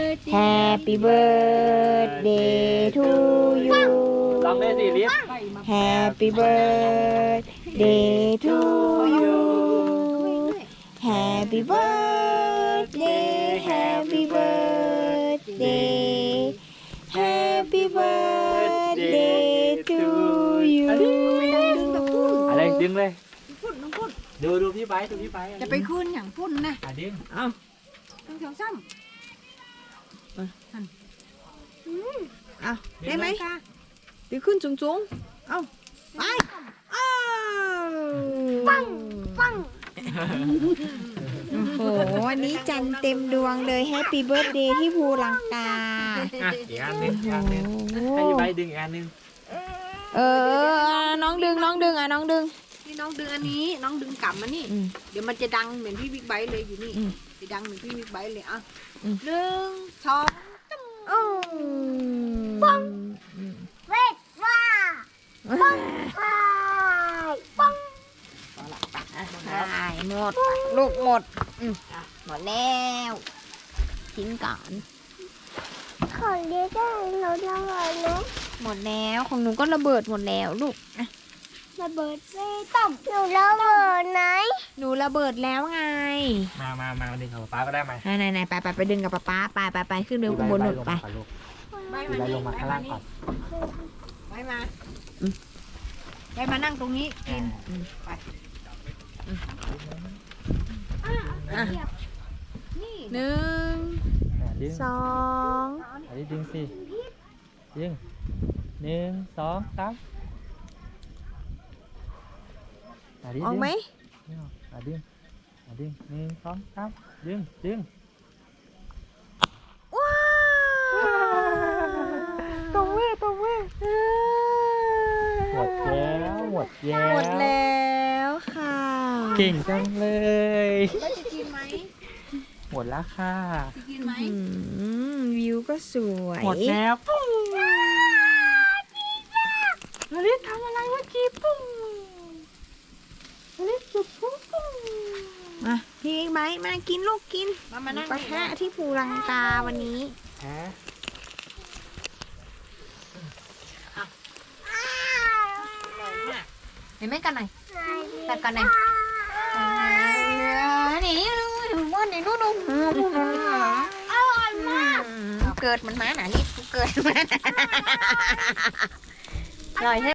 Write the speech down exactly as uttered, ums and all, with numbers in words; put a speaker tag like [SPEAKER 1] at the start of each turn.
[SPEAKER 1] Happy birthday to you
[SPEAKER 2] ลองได้สิลิฟ
[SPEAKER 1] Happy birthday to you Happy birthday Happy birthday Happy birthday to you
[SPEAKER 2] อะไรดึงเลย
[SPEAKER 3] พุ่นน้องพุ่น
[SPEAKER 2] ดูดูพี่ไบดูพี่ไบ
[SPEAKER 3] จะไปขึ้นอย่างพุ่นนะ
[SPEAKER 2] อ่ะดึง
[SPEAKER 1] เอา
[SPEAKER 3] ต้องเขียวซ้ำ
[SPEAKER 1] เอาได้ไหมดึงขึ้นสูงๆเอาไปอ้าวปังปังโอ้โหวันนี้จันเต็มดวงเลย Happy birthday ที่ภูลังกา
[SPEAKER 2] อ่ะอีกอันหนึงอีกอันหนึงให้พี่ไบดึงอีกอันหนึง
[SPEAKER 1] เออน้องดึงน้องดึงอ่ะน้องดึง
[SPEAKER 3] นี่น้องดึงอันนี้น้องดึงกลับมานี่
[SPEAKER 1] อืม
[SPEAKER 3] เดี๋ยวมันจะดังเหมือนพี่บิ๊กไบค์เลยอยู่นี่
[SPEAKER 1] อืม
[SPEAKER 3] จะดังเหมือนพี่บิ๊กไบค์เลยอ่ะ
[SPEAKER 1] อืม
[SPEAKER 3] หนึ่งสอง
[SPEAKER 1] โอ้ปัง
[SPEAKER 3] เวทว่า
[SPEAKER 1] ปัง
[SPEAKER 3] ปัง
[SPEAKER 1] หายหมดลูกหมดอืมหมดแล้วทิ้งก่อน
[SPEAKER 4] ของเด็กได้เราจะหมดนะ
[SPEAKER 1] หมดแล้วของหนูก็ระเบิดหมดแล้วลูกอ่ะ
[SPEAKER 4] ระเบิดไม่ต้องหนูระเบิดไหน
[SPEAKER 1] หนูระเบิดแล้วไง
[SPEAKER 2] มามามาดึงกับป๊าก็ได้ไหม
[SPEAKER 1] ไหนไหนๆไปไปไปดึงกับป๊าป๊าไปไปไปขึ้นเรือข้างบนหนุนไป
[SPEAKER 3] ใบ
[SPEAKER 2] พี่ไบ
[SPEAKER 3] มา
[SPEAKER 2] ลงมาข้างล่างก่อน
[SPEAKER 3] ใบมา
[SPEAKER 1] อืม
[SPEAKER 3] ใบมานั่งตรงนี้กิน
[SPEAKER 1] อืม
[SPEAKER 3] ไป
[SPEAKER 1] อ่ะ
[SPEAKER 3] นี่
[SPEAKER 1] หนึ่ง
[SPEAKER 2] อ่ะดึง
[SPEAKER 1] สอง
[SPEAKER 2] อันนี้ดึงสิดึงหนึ่งสองสามอ่ะดึง
[SPEAKER 1] ออกไหม
[SPEAKER 2] ดึงอ่ะดึงอ่ะดึงหนึ่งสองสามดึงดึง
[SPEAKER 1] ว้าว
[SPEAKER 2] ตรงเว้ตรงเว้หมดแล้วหมดแล้ว
[SPEAKER 1] หมดแล้วค่ะ
[SPEAKER 2] เก่งจังเลย
[SPEAKER 3] แล้วจะกินไหม
[SPEAKER 2] หมดแล้วค่ะ
[SPEAKER 3] จะกินไหม
[SPEAKER 1] อืมวิวก็สวย
[SPEAKER 2] หมดแล้วปุ้งลลิตทำอะไรเมื่อกี้ปุ้งลลิตจุดปุ้งปุ้ง
[SPEAKER 1] มาพี่ไบค์มากินลูกกิน
[SPEAKER 3] มามานั่ง
[SPEAKER 1] ปะทะที่ภูลังกาวันนี้
[SPEAKER 2] ฮะ
[SPEAKER 1] เห็นไหมกันหน่อยกัดกันหน่อยนี่ว่าในนู่นนู่น
[SPEAKER 4] อร่อยมาก
[SPEAKER 1] เกิดมันมาหนาลิดเกิดมันอร่อยใช่